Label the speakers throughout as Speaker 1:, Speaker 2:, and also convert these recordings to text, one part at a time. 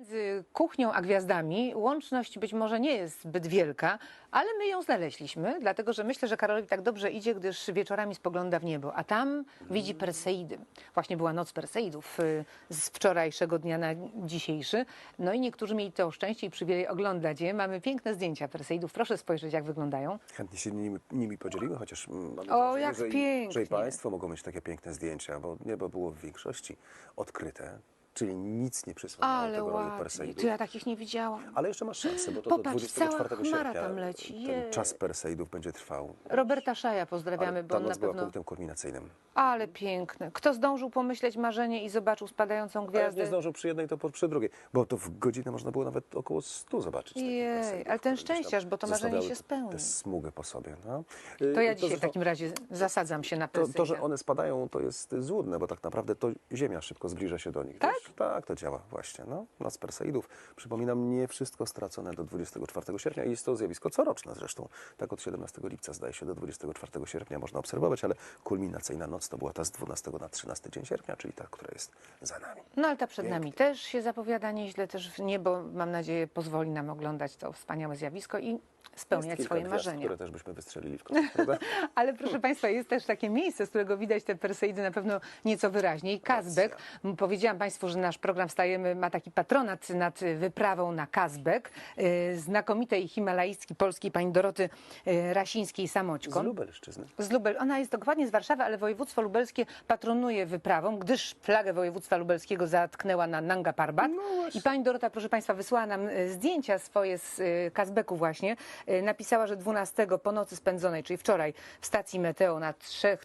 Speaker 1: Między kuchnią a gwiazdami łączność być może nie jest zbyt wielka, ale my ją znaleźliśmy, dlatego że myślę, że Karolowi tak dobrze idzie, gdyż wieczorami spogląda w niebo, a tam widzi Perseidy. Właśnie była noc Perseidów z wczorajszego dnia na dzisiejszy. No i niektórzy mieli to szczęście i przywilej oglądać je. Mamy piękne zdjęcia Perseidów. Proszę spojrzeć, jak wyglądają.
Speaker 2: Chętnie się nimi podzielimy, chociaż mam
Speaker 1: O,
Speaker 2: wrażenie,
Speaker 1: jak
Speaker 2: że
Speaker 1: pięknie.
Speaker 2: i Państwo mogą mieć takie piękne zdjęcia, bo niebo było w większości odkryte, czyli nic nie przysłaniało
Speaker 1: Ale
Speaker 2: tego roju
Speaker 1: ładnie.
Speaker 2: Perseidów.
Speaker 1: Tu ja takich nie widziałam.
Speaker 2: Ale jeszcze masz szansę, bo to
Speaker 1: Popatrz,
Speaker 2: do 24
Speaker 1: cała chmara
Speaker 2: sierpnia
Speaker 1: tam leci.
Speaker 2: ten
Speaker 1: Jej.
Speaker 2: czas Perseidów będzie trwał.
Speaker 1: Roberta Szaja pozdrawiamy,
Speaker 2: Ale
Speaker 1: bo
Speaker 2: ta
Speaker 1: on na
Speaker 2: noc była
Speaker 1: pewno...
Speaker 2: punktem kulminacyjnym.
Speaker 1: Ale piękne. Kto zdążył pomyśleć marzenie i zobaczył spadającą
Speaker 2: Ale
Speaker 1: gwiazdę?
Speaker 2: nie zdążył przy jednej, to przy drugiej, bo to w godzinę można było nawet około 100 zobaczyć. takich
Speaker 1: Jej,
Speaker 2: Perseidów,
Speaker 1: ale ten
Speaker 2: które gdzieś tam
Speaker 1: szczęściarz, bo to marzenie
Speaker 2: zostawiały
Speaker 1: się spełni.
Speaker 2: Tę smugę po sobie. No.
Speaker 1: To ja dzisiaj w
Speaker 2: zresztą-
Speaker 1: takim razie zasadzam się na Perseidę.
Speaker 2: To, że one spadają, to jest złudne, bo tak naprawdę to Ziemia szybko zbliża się do nich.
Speaker 1: Tak?
Speaker 2: Wiesz? Tak, to działa właśnie. No, noc Perseidów. Przypominam, nie wszystko stracone do 24 sierpnia i jest to zjawisko coroczne zresztą. Tak od 17 lipca zdaje się do 24 sierpnia można obserwować, ale kulminacyjna noc to była ta z 12 na 13 dzień sierpnia, czyli ta, która jest za nami.
Speaker 1: No ale ta przed nami też się zapowiada nieźle, też niebo, mam nadzieję, pozwoli nam oglądać to wspaniałe zjawisko i spełniać
Speaker 2: Jest kilka
Speaker 1: swoje
Speaker 2: gwiazd,
Speaker 1: marzenia.
Speaker 2: które też byśmy wystrzelili w kosmos, prawda?
Speaker 1: Ale proszę Państwa, jest też takie miejsce, z którego widać te Perseidy na pewno nieco wyraźniej. Kazbek. Powiedziałam Państwu, że nasz program Wstajemy ma taki patronat nad wyprawą na Kazbek. Znakomitej himalajski polskiej pani Doroty Rasińskiej
Speaker 2: Z
Speaker 1: Samoćkon.
Speaker 2: Lubelszczyzny.
Speaker 1: Z Lubel. Ona jest dokładnie z Warszawy, ale województwo lubelskie patronuje wyprawą, gdyż flagę województwa lubelskiego zatknęła na Nanga Parbat. I pani Dorota, proszę Państwa, wysłała nam zdjęcia swoje z Kazbeku właśnie. Napisała, że 12 po nocy spędzonej, czyli wczoraj w stacji Meteo na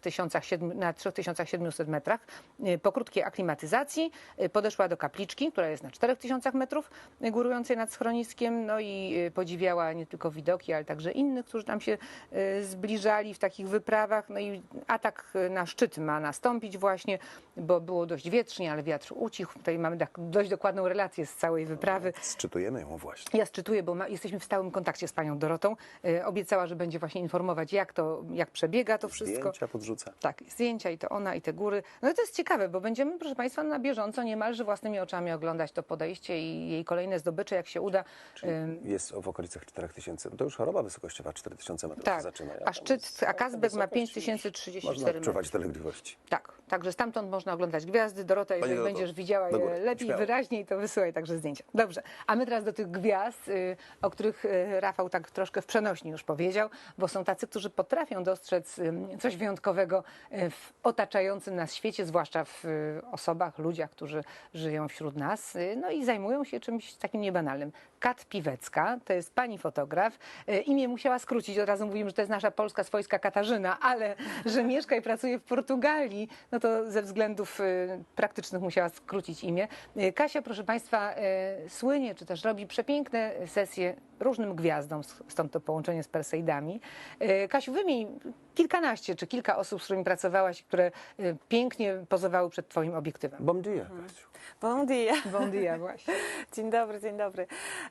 Speaker 1: 3700 metrach, po krótkiej aklimatyzacji podeszła do kapliczki, która jest na 4000 metrów, górującej nad schroniskiem, no i podziwiała nie tylko widoki, ale także innych, którzy tam się zbliżali w takich wyprawach. No i atak na szczyt ma nastąpić właśnie, bo było dość wietrznie, ale wiatr ucichł. Tutaj mamy dość dokładną relację z całej wyprawy.
Speaker 2: Sczytujemy ją właśnie.
Speaker 1: Ja szczytuję, bo jesteśmy w stałym kontakcie z panią Dorotą. Obiecała, że będzie właśnie informować, jak przebiega to wszystko.
Speaker 2: Zdjęcia podrzuca.
Speaker 1: Tak, zdjęcia i to ona, i te góry. No i to jest ciekawe, bo będziemy, proszę Państwa, na bieżąco niemalże własnymi oczami oglądać to podejście i jej kolejne zdobycze, jak się uda.
Speaker 2: Jest w okolicach 4000. To już choroba wysokościowa 4000 metrów
Speaker 1: Tak,
Speaker 2: się zaczyna.
Speaker 1: a szczyt, a Kazbek ma 5034
Speaker 2: Można
Speaker 1: metry.
Speaker 2: odczuwać dolegliwości.
Speaker 1: Tak, także stamtąd można oglądać gwiazdy. Dorota, jeżeli
Speaker 2: Doroto,
Speaker 1: będziesz widziała
Speaker 2: do
Speaker 1: je
Speaker 2: góry,
Speaker 1: lepiej,
Speaker 2: śmiało.
Speaker 1: wyraźniej, to wysyłaj także zdjęcia. Dobrze, a my teraz do tych gwiazd, o których Rafał tak troszkę w przenośni już powiedział, bo są tacy, którzy potrafią dostrzec coś wyjątkowego w otaczającym nas świecie, zwłaszcza w osobach, ludziach, którzy żyją wśród nas, no i zajmują się czymś takim niebanalnym. Kat Piwecka, to jest pani fotograf. Imię musiała skrócić, od razu mówimy, że to jest nasza polska swojska Katarzyna, ale że mieszka i pracuje w Portugalii, no to ze względów praktycznych musiała skrócić imię. Kasia, proszę Państwa, słynie, czy też robi przepiękne sesje różnym gwiazdom, stąd to połączenie z Perseidami. Kasiu, wymień kilkanaście czy kilka osób, z którymi pracowałaś, które pięknie pozowały przed Twoim obiektywem.
Speaker 2: Bon dia, Kasiu.
Speaker 3: Bon dia.
Speaker 1: Bon dia, właśnie.
Speaker 3: Dzień dobry, dzień dobry.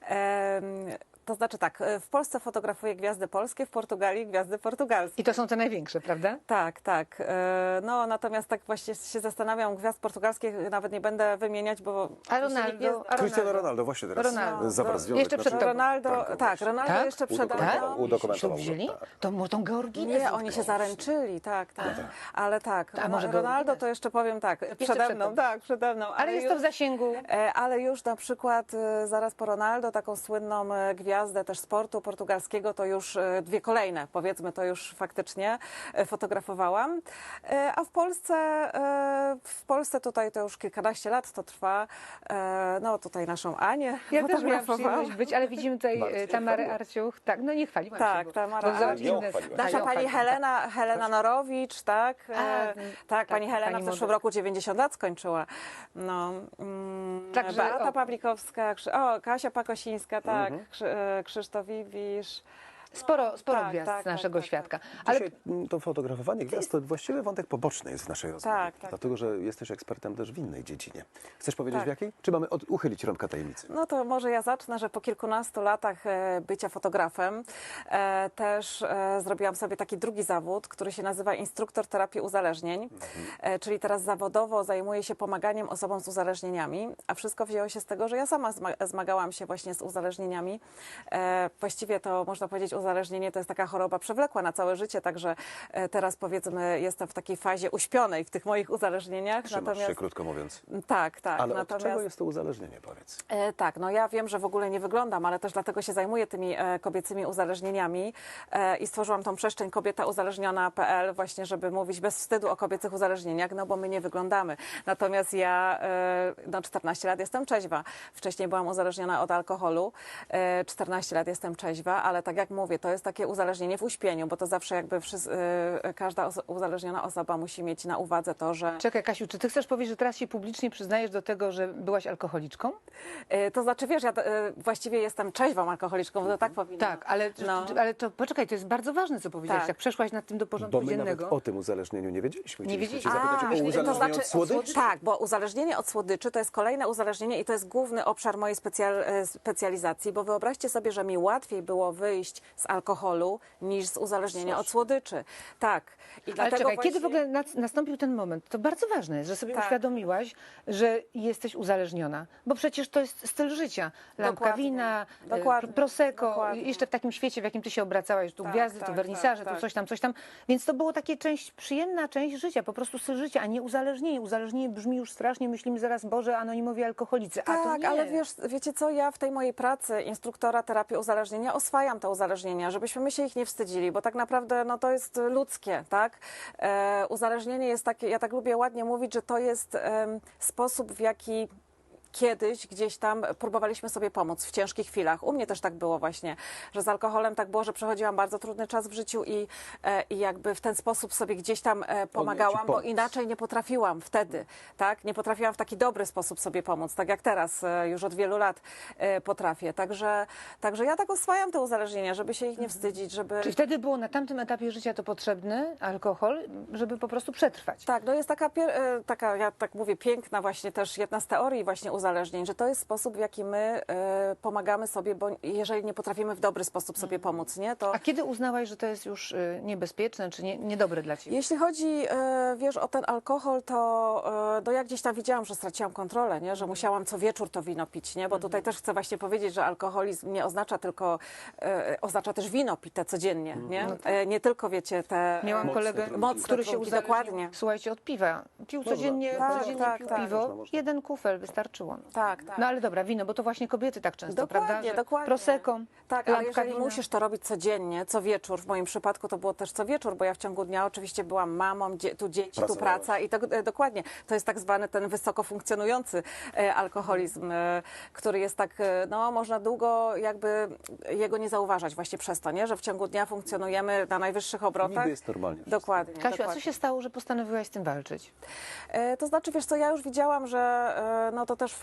Speaker 3: To znaczy tak, w Polsce fotografuję gwiazdy polskie, w Portugalii gwiazdy portugalskie.
Speaker 1: I to są te największe, prawda?
Speaker 3: Tak, tak. No natomiast tak właśnie się zastanawiam, gwiazd portugalskich nawet nie będę wymieniać, bo...
Speaker 1: A Ronaldo?
Speaker 2: Cristiano Ronaldo właśnie teraz
Speaker 1: Ronaldo.
Speaker 2: zawarł związek.
Speaker 1: Jeszcze przed
Speaker 2: na
Speaker 1: tobą.
Speaker 3: Ronaldo,
Speaker 2: Franco
Speaker 3: tak,
Speaker 2: właśnie.
Speaker 3: Ronaldo
Speaker 1: Tak?
Speaker 3: jeszcze przede mną.
Speaker 2: Udokumentował
Speaker 1: Ślub wzięli?
Speaker 2: go, tak.
Speaker 1: To może tą Georginę
Speaker 3: Nie, oni się zaręczyli, tak, tak. Ale tak,
Speaker 1: A może
Speaker 3: Ronaldo
Speaker 1: Georgines?
Speaker 3: to jeszcze powiem tak,
Speaker 1: przed
Speaker 3: przede
Speaker 1: tobą.
Speaker 3: mną, tak, przede mną.
Speaker 1: Ale jest to w zasięgu.
Speaker 3: Ale już na przykład zaraz po Ronaldo, taką słynną gwiazdę też sportu portugalskiego, to już dwie kolejne, powiedzmy, to już faktycznie fotografowałam. A w Polsce tutaj to już kilkanaście lat to trwa. No tutaj naszą Anię
Speaker 1: Ja też miałam
Speaker 3: fotografowałam.
Speaker 1: przyjemność być, ale widzimy tutaj
Speaker 2: Bardzo
Speaker 1: Tamarę
Speaker 2: chwaliła.
Speaker 1: Arciuch. Tak, no nie chwaliłam
Speaker 3: Tak,
Speaker 1: się.
Speaker 3: Tamara
Speaker 1: bo zobacz,
Speaker 3: Arciuch.
Speaker 1: inne-
Speaker 2: Ją chwaliłaś.
Speaker 3: Nasza
Speaker 1: ją
Speaker 3: pani
Speaker 1: chwaliłam.
Speaker 3: Helena Norowicz, tak? Tak, pani Helena
Speaker 1: pani
Speaker 3: w zeszłym
Speaker 1: model.
Speaker 3: roku 90 lat skończyła. No,
Speaker 1: Także,
Speaker 3: Beata
Speaker 1: o.
Speaker 3: Pawlikowska, Kasia Pakosińska, tak, Krzysztof Iwisz.
Speaker 1: Sporo
Speaker 3: tak,
Speaker 1: gwiazd
Speaker 3: tak,
Speaker 1: z naszego
Speaker 3: tak,
Speaker 1: świadka.
Speaker 3: tak.
Speaker 1: Ale
Speaker 2: Dzisiaj to fotografowanie gwiazd to właściwie wątek poboczny jest w naszej rozmowie.
Speaker 3: Tak, tak.
Speaker 2: Dlatego, że jesteś ekspertem też w innej dziedzinie. Chcesz powiedzieć
Speaker 3: Tak.
Speaker 2: w jakiej? Czy mamy uchylić rąbka tajemnicy?
Speaker 3: No to może ja zacznę, że po kilkunastu latach bycia fotografem też zrobiłam sobie taki drugi zawód, który się nazywa instruktor terapii uzależnień, czyli teraz zawodowo zajmuję się pomaganiem osobom z uzależnieniami, a wszystko wzięło się z tego, że ja sama zmagałam się właśnie z uzależnieniami. Właściwie to można powiedzieć, uzależnienie to jest taka choroba przewlekła na całe życie, także teraz powiedzmy jestem w takiej fazie uśpionej w tych moich uzależnieniach.
Speaker 2: Trzymasz się, krótko mówiąc.
Speaker 3: Tak, tak.
Speaker 2: Ale
Speaker 3: natomiast...
Speaker 2: od czego jest to uzależnienie, powiedz?
Speaker 3: Tak, no ja wiem, że w ogóle nie wyglądam, ale też dlatego się zajmuję tymi kobiecymi uzależnieniami i stworzyłam tą przestrzeń kobietauzależniona.pl właśnie, żeby mówić bez wstydu o kobiecych uzależnieniach, no bo my nie wyglądamy. Natomiast ja 14 lat jestem trzeźwa. Wcześniej byłam uzależniona od alkoholu, 14 lat jestem trzeźwa, ale tak jak mówię, to jest takie uzależnienie w uśpieniu, bo to zawsze jakby każda uzależniona osoba musi mieć na uwadze to, że...
Speaker 1: czekaj, Kasiu, czy ty chcesz powiedzieć, że teraz się publicznie przyznajesz do tego, że byłaś alkoholiczką?
Speaker 3: To znaczy, wiesz, ja właściwie jestem trzeźwą alkoholiczką, bo to tak powinno.
Speaker 1: Tak, ale,
Speaker 3: No.
Speaker 1: ale to poczekaj, to jest bardzo ważne, co powiedziałaś.
Speaker 3: Tak.
Speaker 1: Jak przeszłaś nad tym do porządku
Speaker 2: Bo my nawet
Speaker 1: dziennego.
Speaker 2: o tym uzależnieniu nie wiedzieliśmy.
Speaker 1: Nie
Speaker 2: Chcieliśmy
Speaker 1: wiedzieliśmy.
Speaker 2: cię zapytać o
Speaker 1: myślę,
Speaker 2: uzależnienie
Speaker 1: to znaczy
Speaker 2: od słodyczy.
Speaker 3: Tak, bo uzależnienie od słodyczy to jest kolejne uzależnienie i to jest główny obszar mojej specjalizacji, bo wyobraźcie sobie, że mi łatwiej było wyjść z alkoholu niż z uzależnienia od słodyczy. Tak. I
Speaker 1: Ale
Speaker 3: dlatego
Speaker 1: czekaj,
Speaker 3: właśnie...
Speaker 1: kiedy w ogóle nastąpił ten moment? To bardzo ważne jest, że sobie
Speaker 3: Tak.
Speaker 1: uświadomiłaś, że jesteś uzależniona, bo przecież to jest styl życia. Lampka
Speaker 3: Dokładnie.
Speaker 1: wina,
Speaker 3: Dokładnie.
Speaker 1: prosecco,
Speaker 3: Dokładnie.
Speaker 1: jeszcze w takim świecie, w jakim ty się obracałaś, tu
Speaker 3: Tak,
Speaker 1: gwiazdy,
Speaker 3: tak,
Speaker 1: tu wernisaże,
Speaker 3: tak,
Speaker 1: tu coś tam. Więc to było takie przyjemna część życia, po prostu styl życia, a nie uzależnienie. Uzależnienie brzmi już strasznie, myślimy zaraz, Boże, anonimowi alkoholicy. A to
Speaker 3: Tak,
Speaker 1: nie.
Speaker 3: ale wiecie co, ja w tej mojej pracy instruktora terapii uzależnienia oswajam te uzależnienia, żebyśmy my się ich nie wstydzili, bo tak naprawdę no, to jest ludzkie, tak? Uzależnienie jest takie, ja tak lubię ładnie mówić, że to jest sposób, w jaki kiedyś gdzieś tam próbowaliśmy sobie pomóc w ciężkich chwilach. U mnie też tak było właśnie, że z alkoholem tak było, że przechodziłam bardzo trudny czas w życiu i jakby w ten sposób sobie gdzieś tam pomagałam, bo
Speaker 2: pomóc.
Speaker 3: inaczej nie potrafiłam wtedy, tak? Nie potrafiłam w taki dobry sposób sobie pomóc, tak jak teraz już od wielu lat potrafię. Także ja tak oswajam te uzależnienia, żeby się ich nie wstydzić, żeby...
Speaker 1: Czyli wtedy było na tamtym etapie życia to potrzebny alkohol, żeby po prostu przetrwać.
Speaker 3: Tak, no jest taka, ja tak mówię, piękna właśnie też jedna z teorii właśnie uzależnień, że to jest sposób, w jaki my pomagamy sobie, bo jeżeli nie potrafimy w dobry sposób sobie pomóc, nie, to...
Speaker 1: A kiedy uznałaś, że to jest już niebezpieczne, czy niedobre dla ciebie?
Speaker 3: Jeśli chodzi, wiesz, o ten alkohol, to ja gdzieś tam widziałam, że straciłam kontrolę, nie? Że musiałam co wieczór to wino pić, nie? Bo tutaj też chcę właśnie powiedzieć, że alkoholizm nie oznacza tylko, oznacza też wino pite codziennie, nie? Nie tylko, wiecie, te...
Speaker 1: Miałam
Speaker 2: Mocne
Speaker 1: kolegę,
Speaker 2: trunki.
Speaker 3: Mocne
Speaker 1: który się
Speaker 3: trunki,
Speaker 1: uzależnił,
Speaker 3: dokładnie.
Speaker 1: słuchajcie, od piwa. Pił
Speaker 2: Można.
Speaker 1: codziennie,
Speaker 3: Tak,
Speaker 1: codziennie
Speaker 3: tak,
Speaker 1: pił
Speaker 3: tak.
Speaker 1: piwo,
Speaker 2: Można.
Speaker 1: jeden kufel wystarczyło.
Speaker 3: Tak, tak.
Speaker 1: No ale dobra, wino, bo to właśnie kobiety tak często, prawda? Że
Speaker 3: Dokładnie.
Speaker 1: Prosecco,
Speaker 3: Tak, ale
Speaker 1: lampka
Speaker 3: jeżeli
Speaker 1: wina.
Speaker 3: musisz to robić codziennie, co wieczór, w moim przypadku to było też co wieczór, bo ja w ciągu dnia oczywiście byłam mamą, tu dzieci, tu
Speaker 2: Pracowałaś.
Speaker 3: praca i to dokładnie. To jest tak zwany ten wysoko funkcjonujący alkoholizm, który jest tak, no można długo jakby jego nie zauważać właśnie przez to, nie? Że w ciągu dnia funkcjonujemy na najwyższych obrotach.
Speaker 2: Niby jest normalnie wszystko.
Speaker 3: Dokładnie.
Speaker 1: Kasiu, a co
Speaker 3: dokładnie.
Speaker 1: się stało, że postanowiłaś z tym walczyć?
Speaker 3: To znaczy, wiesz co, ja już widziałam, że no to też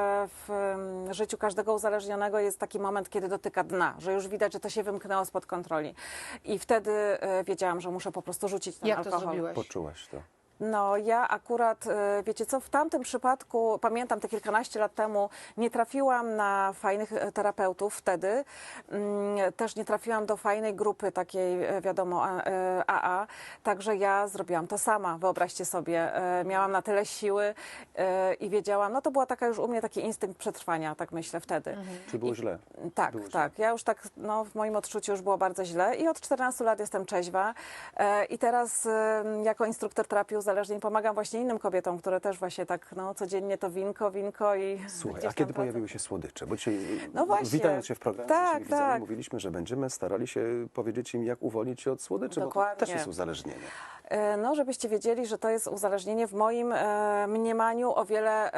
Speaker 3: w życiu każdego uzależnionego jest taki moment, kiedy dotyka dna, że już widać, że to się wymknęło spod kontroli. I wtedy wiedziałam, że muszę po prostu rzucić ten
Speaker 1: Jak to
Speaker 3: alkohol.
Speaker 1: zrobiłaś?
Speaker 2: Poczułaś to.
Speaker 3: No ja akurat, wiecie co, w tamtym przypadku, pamiętam te kilkanaście lat temu, nie trafiłam na fajnych terapeutów wtedy. Też nie trafiłam do fajnej grupy takiej, wiadomo, AA. Także ja zrobiłam to sama, wyobraźcie sobie. Miałam na tyle siły i wiedziałam, no to była taka już u mnie taki instynkt przetrwania, tak myślę wtedy.
Speaker 2: Czy było źle?
Speaker 3: Tak,
Speaker 2: Było źle.
Speaker 3: tak. Ja już tak, no, w moim odczuciu już było bardzo źle i od 14 lat jestem trzeźwa i teraz jako instruktor terapii uzależnień pomagam właśnie innym kobietom, które też właśnie tak, no, codziennie to winko i
Speaker 2: Słuchaj,
Speaker 3: gdzieś
Speaker 2: a kiedy
Speaker 3: tam
Speaker 2: pojawiły się słodycze? Bo dzisiaj,
Speaker 3: No właśnie.
Speaker 2: witając się w programie
Speaker 3: Tak,
Speaker 2: z naszymi widzami,
Speaker 3: tak.
Speaker 2: mówiliśmy, że będziemy starali się powiedzieć im, jak uwolnić się od słodyczy, bo to
Speaker 3: Dokładnie.
Speaker 2: też jest uzależnienie.
Speaker 3: No, żebyście wiedzieli, że to jest uzależnienie w moim mniemaniu o wiele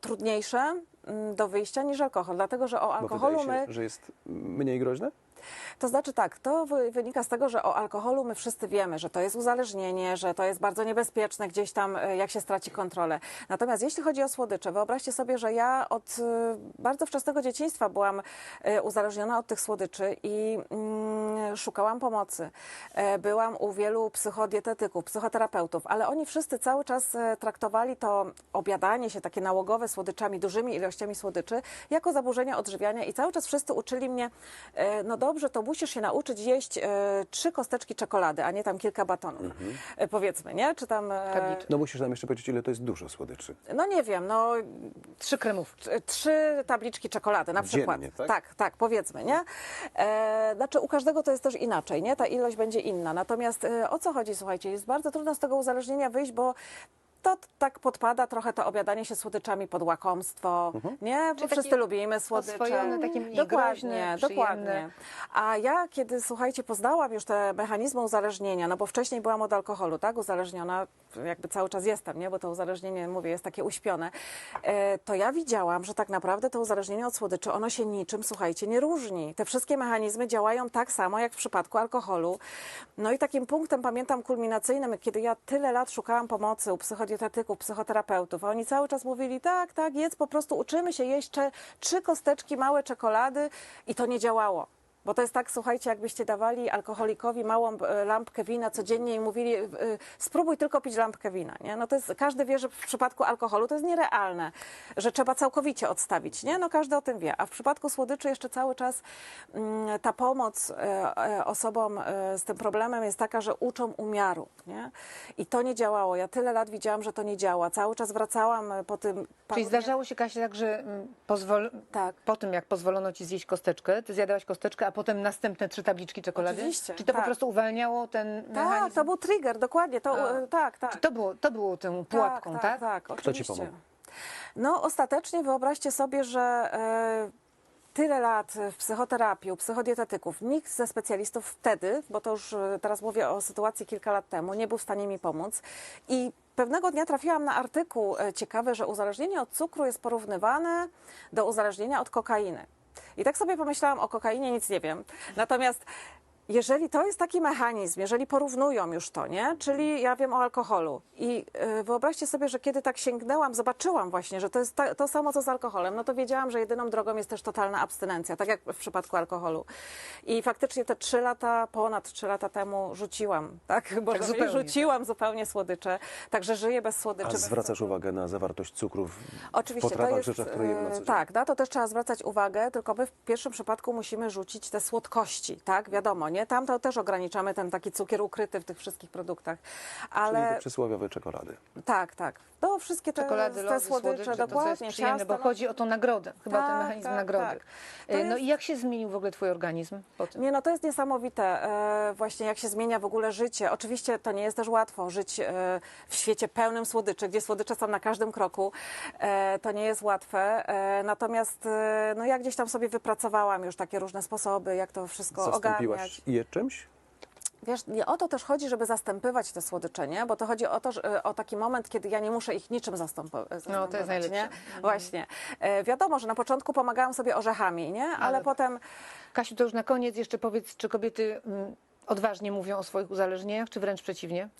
Speaker 3: trudniejsze do wyjścia niż alkohol, dlatego że o
Speaker 2: Bo
Speaker 3: alkoholu
Speaker 2: wydaje się,
Speaker 3: my...
Speaker 2: że jest mniej groźne?
Speaker 3: To znaczy tak, to wynika z tego, że o alkoholu my wszyscy wiemy, że to jest uzależnienie, że to jest bardzo niebezpieczne gdzieś tam, jak się straci kontrolę. Natomiast jeśli chodzi o słodycze, wyobraźcie sobie, że ja od bardzo wczesnego dzieciństwa byłam uzależniona od tych słodyczy i szukałam pomocy. Byłam u wielu psychodietetyków, psychoterapeutów, ale oni wszyscy cały czas traktowali to obiadanie się takie nałogowe słodyczami, dużymi ilościami słodyczy, jako zaburzenie odżywiania i cały czas wszyscy uczyli mnie, no dobrze, to musisz się nauczyć jeść 3 kosteczki czekolady, a nie tam kilka batonów, powiedzmy, nie? Czy tam...
Speaker 1: Tabliczki.
Speaker 2: No musisz nam jeszcze powiedzieć, ile to jest dużo słodyczy.
Speaker 3: No nie wiem, no
Speaker 1: 3 kremówki.
Speaker 3: 3 tabliczki czekolady na przykład.
Speaker 2: Dziennie, tak?
Speaker 3: Tak, powiedzmy, nie? Znaczy u każdego to jest też inaczej, nie? Ta ilość będzie inna. Natomiast o co chodzi, słuchajcie, jest bardzo trudno z tego uzależnienia wyjść, bo to tak podpada trochę to obiadanie się słodyczami pod łakomstwo, nie? Bo
Speaker 1: Czyli
Speaker 3: wszyscy
Speaker 1: takie
Speaker 3: lubimy słodycze.
Speaker 1: oswojone, takie mniej
Speaker 3: Dokładnie,
Speaker 1: groźne,
Speaker 3: dokładnie.
Speaker 1: przyjemne.
Speaker 3: A ja, kiedy, słuchajcie, poznałam już te mechanizmy uzależnienia, no bo wcześniej byłam od alkoholu, tak? Uzależniona, jakby cały czas jestem, nie? Bo to uzależnienie, mówię, jest takie uśpione. To ja widziałam, że tak naprawdę to uzależnienie od słodyczy, ono się niczym, słuchajcie, nie różni. Te wszystkie mechanizmy działają tak samo, jak w przypadku alkoholu. No i takim punktem, pamiętam, kulminacyjnym, kiedy ja tyle lat szukałam pomocy u psychodietetyków, psychoterapeutów, a oni cały czas mówili, tak, jedz, po prostu uczymy się jeść 3 kosteczki małe czekolady i to nie działało. Bo to jest tak, słuchajcie, jakbyście dawali alkoholikowi małą lampkę wina codziennie i mówili, spróbuj tylko pić lampkę wina, nie? No to jest, każdy wie, że w przypadku alkoholu to jest nierealne, że trzeba całkowicie odstawić, nie? No każdy o tym wie. A w przypadku słodyczy jeszcze cały czas ta pomoc osobom z tym problemem jest taka, że uczą umiaru, nie? I to nie działało. Ja tyle lat widziałam, że to nie działa. Cały czas wracałam po tym...
Speaker 1: Czyli zdarzało się, Kasia, tak, że
Speaker 3: Tak.
Speaker 1: po tym, jak pozwolono ci zjeść kosteczkę, ty zjadałaś kosteczkę, a potem następne 3 tabliczki czekolady?
Speaker 3: Oczywiście,
Speaker 1: Czy to po
Speaker 3: tak.
Speaker 1: prostu uwalniało ten
Speaker 3: Tak,
Speaker 1: mechanizm?
Speaker 3: to był trigger, dokładnie. To, tak.
Speaker 1: To było tą pułapką, tak?
Speaker 3: Tak,
Speaker 2: Kto ci
Speaker 3: oczywiście.
Speaker 2: pomógł?
Speaker 3: No ostatecznie wyobraźcie sobie, że tyle lat w psychoterapii, u psychodietetyków, nikt ze specjalistów wtedy, bo to już teraz mówię o sytuacji kilka lat temu, nie był w stanie mi pomóc. I pewnego dnia trafiłam na artykuł ciekawy, że uzależnienie od cukru jest porównywane do uzależnienia od kokainy. I tak sobie pomyślałam, o kokainie nic nie wiem. Natomiast jeżeli to jest taki mechanizm, jeżeli porównują już to, nie? Czyli ja wiem o alkoholu i wyobraźcie sobie, że kiedy tak sięgnęłam, zobaczyłam właśnie, że to jest to samo co z alkoholem, no to wiedziałam, że jedyną drogą jest też totalna abstynencja, tak jak w przypadku alkoholu. I faktycznie te 3 lata, ponad 3 lata temu rzuciłam, tak? Bo
Speaker 1: zupełnie,
Speaker 3: rzuciłam zupełnie słodycze, także żyję bez słodyczy.
Speaker 2: A
Speaker 3: bez
Speaker 2: zwracasz
Speaker 3: cukru.
Speaker 2: uwagę na zawartość cukrów w
Speaker 3: Oczywiście,
Speaker 2: potrawach,
Speaker 3: to jest,
Speaker 2: rzeczach, które jemy na co dzień?
Speaker 3: tak, na to też trzeba zwracać uwagę, tylko my w pierwszym przypadku musimy rzucić te słodkości, tak, wiadomo, nie? Tam to też ograniczamy ten taki cukier ukryty w tych wszystkich produktach,
Speaker 2: Czyli
Speaker 3: ale
Speaker 2: te przysłowiowe czekolady.
Speaker 3: tak, no wszystkie
Speaker 1: Czekolady, lody,
Speaker 3: te słodycze,
Speaker 1: to co jest
Speaker 3: dokładnie,
Speaker 1: przyjemne, bo
Speaker 3: ciasta,
Speaker 1: chodzi o tą nagrodę, chyba o ten
Speaker 3: Tak,
Speaker 1: mechanizm
Speaker 3: tak,
Speaker 1: nagrody.
Speaker 3: tak. To
Speaker 1: No
Speaker 3: jest-
Speaker 1: i jak się zmienił w ogóle twój organizm po tym?
Speaker 3: Nie, no to jest niesamowite, właśnie jak się zmienia w ogóle życie. Oczywiście to nie jest też łatwo żyć w świecie pełnym słodyczy, gdzie słodycze są na każdym kroku. To nie jest łatwe. Natomiast no ja gdzieś tam sobie wypracowałam już takie różne sposoby, jak to wszystko ogarniać.
Speaker 2: Zastąpiłaś je czymś?
Speaker 3: Wiesz, nie o to też chodzi, żeby zastępywać te słodycze, nie? Bo to chodzi o to, że, o taki moment, kiedy ja nie muszę ich niczym zastępować.
Speaker 1: No, to jest najlepsze.
Speaker 3: Nie? Właśnie. Wiadomo, że na początku pomagałam sobie orzechami, nie? Ale
Speaker 1: dobra.
Speaker 3: potem...
Speaker 1: Kasiu, to już na koniec jeszcze powiedz, czy kobiety odważnie mówią o swoich uzależnieniach, czy wręcz przeciwnie?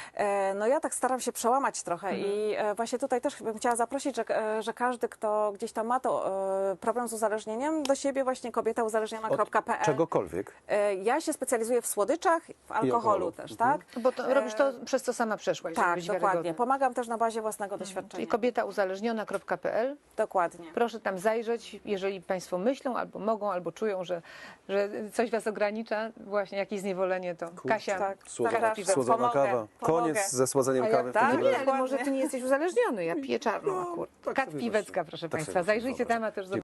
Speaker 3: No ja tak staram się przełamać trochę i właśnie tutaj też bym chciała zaprosić, że każdy, kto gdzieś tam ma to problem z uzależnieniem, do siebie właśnie kobietauzależniona.pl.
Speaker 2: Czegokolwiek.
Speaker 3: Ja się specjalizuję w słodyczach, w alkoholu
Speaker 2: alkoholu.
Speaker 3: też,
Speaker 2: Mhm.
Speaker 3: tak?
Speaker 1: Bo to, robisz to, przez co sama przeszłaś, żeby
Speaker 3: Tak,
Speaker 1: być
Speaker 3: dokładnie.
Speaker 1: wiarygodna.
Speaker 3: Pomagam też na bazie własnego doświadczenia.
Speaker 1: Czyli kobietauzależniona.pl.
Speaker 3: Dokładnie.
Speaker 1: Proszę tam zajrzeć, jeżeli Państwo myślą, albo mogą, albo czują, że coś Was ogranicza, właśnie jakieś zniewolenie, to Kasia,
Speaker 3: tak.
Speaker 2: Słodzona,
Speaker 3: Zaraz,
Speaker 2: słodzona
Speaker 3: pomogę,
Speaker 2: kawa.
Speaker 3: pomogę.
Speaker 2: Koniec ze słodzeniem
Speaker 1: A ja-
Speaker 2: kawy. w
Speaker 3: tak?
Speaker 2: takim
Speaker 1: nie,
Speaker 2: razie.
Speaker 1: ale może Ty nie jesteś uzależniony, ja piję czarną
Speaker 2: No,
Speaker 1: akurat.
Speaker 2: tak
Speaker 1: Kat
Speaker 2: sobie
Speaker 1: Piwecka,
Speaker 2: właśnie-
Speaker 1: proszę
Speaker 2: tak
Speaker 1: Państwa.
Speaker 2: sobie
Speaker 1: Zajrzyjcie
Speaker 2: wyobrażam.
Speaker 1: tam, a też